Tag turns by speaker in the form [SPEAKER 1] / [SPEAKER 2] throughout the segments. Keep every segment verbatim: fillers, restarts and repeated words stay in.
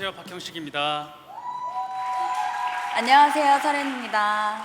[SPEAKER 1] 안녕하세요, 박형식입니다.
[SPEAKER 2] 안녕하세요, 설현입니다.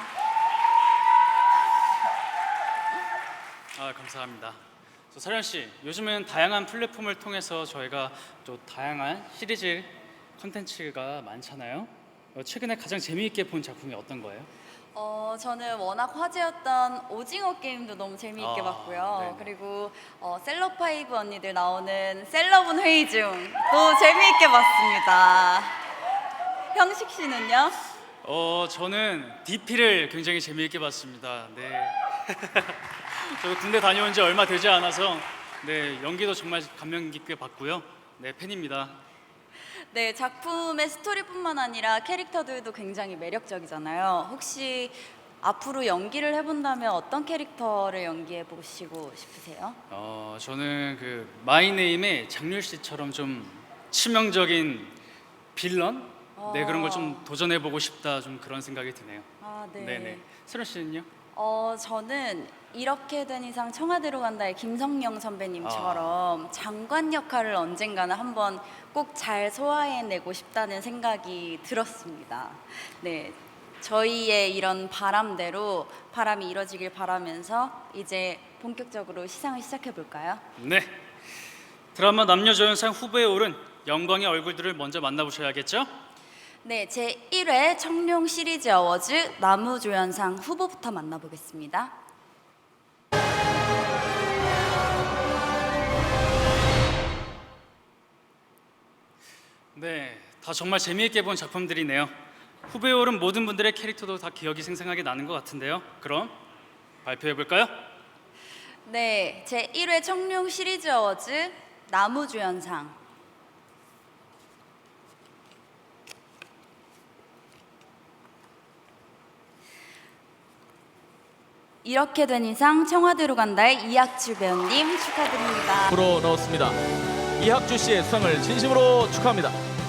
[SPEAKER 1] 아, 감사합니다. 저 설현 씨, 요즘은 다양한 플랫폼을 통해서 저희가 또 다양한 시리즈 컨텐츠가 많잖아요. 어, 최근에 가장 재미있게 본 작품이 어떤 거예요?
[SPEAKER 2] 어, 저는 워낙 화제였던 오징어 게임도 너무 재미있게
[SPEAKER 1] 아,
[SPEAKER 2] 봤고요.
[SPEAKER 1] 네네.
[SPEAKER 2] 그리고 어, 셀럽파이브 언니들 나오는 셀럽은 회의 중도 재미있게 봤습니다. 형식 씨는요?
[SPEAKER 1] 어, 저는 디피를 굉장히 재미있게 봤습니다. 네. 저도 군대 다녀온 지 얼마 되지 않아서 네, 연기도 정말 감명 깊게 봤고요. 네, 팬입니다.
[SPEAKER 2] 네, 작품의 스토리뿐만 아니라 캐릭터들도 굉장히 매력적이잖아요. 혹시 앞으로 연기를 해본다면 어떤 캐릭터를 연기해 보시고 싶으세요?
[SPEAKER 1] 어, 저는 그 마이네임의 장률 씨처럼 좀 치명적인 빌런? 네, 그런 걸 좀 도전해 보고 싶다, 좀 그런 생각이 드네요.
[SPEAKER 2] 아, 네.
[SPEAKER 1] 네네. 세련 씨는요?
[SPEAKER 2] 어, 저는 이렇게 된 이상 청와대로 간다의 김성령 선배님처럼 장관 역할을 언젠가는 한번 꼭 잘 소화해내고 싶다는 생각이 들었습니다. 네, 저희의 이런 바람대로 바람이 이뤄지길 바라면서 이제 본격적으로 시상을 시작해 볼까요?
[SPEAKER 1] 네. 드라마 남녀조연상 후보에 오른 영광의 얼굴들을 먼저 만나보셔야겠죠?
[SPEAKER 2] 네, 제일 회 청룡 시리즈 어워즈 나무조연상 후보부터 만나보겠습니다.
[SPEAKER 1] 네, 다 정말 재미있게 본 작품들이네요. 후보에 오른 모든 분들의 캐릭터도 다 기억이 생생하게 나는 것 같은데요. 그럼 발표해 볼까요?
[SPEAKER 2] 네, 제일 회 청룡 시리즈 어워즈 나무조연상 이렇게 된 이상 청와대로 간다의 이학주 배우님 축하드립니다.
[SPEAKER 3] 프로 넣었습니다. 이학주 씨의 수상을 진심으로 축하합니다.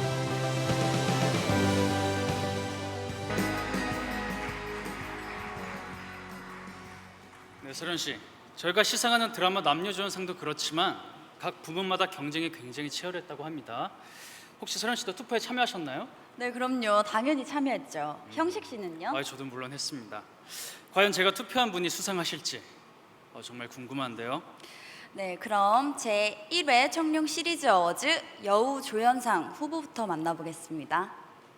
[SPEAKER 1] 네, 세련 씨. 저희가 시상하는 드라마 남녀조연상도 그렇지만 각 부문마다 경쟁이 굉장히 치열했다고 합니다. 혹시 세련 씨도 투표에 참여하셨나요?
[SPEAKER 2] 네, 그럼요. 당연히 참여했죠. 형식 씨는요?
[SPEAKER 1] 아, 저도 물론 했습니다. 과연 제가 투표한 분이 수상하실지 어, 정말 궁금한데요.
[SPEAKER 2] 네, 그럼 제일 회 청룡 시리즈 어워즈 여우조연상 후보부터 만나보겠습니다.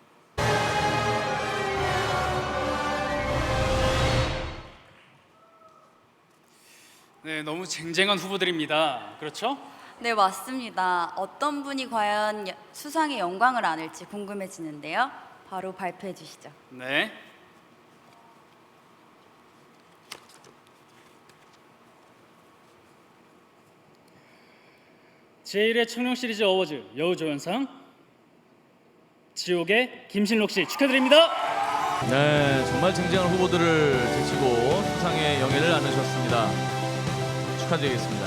[SPEAKER 1] 네, 너무 쟁쟁한 후보들입니다. 그렇죠?
[SPEAKER 2] 네, 맞습니다. 어떤 분이 과연 여- 수상의 영광을 안을지 궁금해지는데요. 바로 발표해 주시죠.
[SPEAKER 1] 네. 제일 회 청룡 시리즈 어워즈 여우조연상 지옥의 김신록 씨 축하드립니다.
[SPEAKER 3] 네, 정말 쟁쟁한 후보들을 제치고 수상의 영예를 안으셨습니다. 축하드리겠습니다.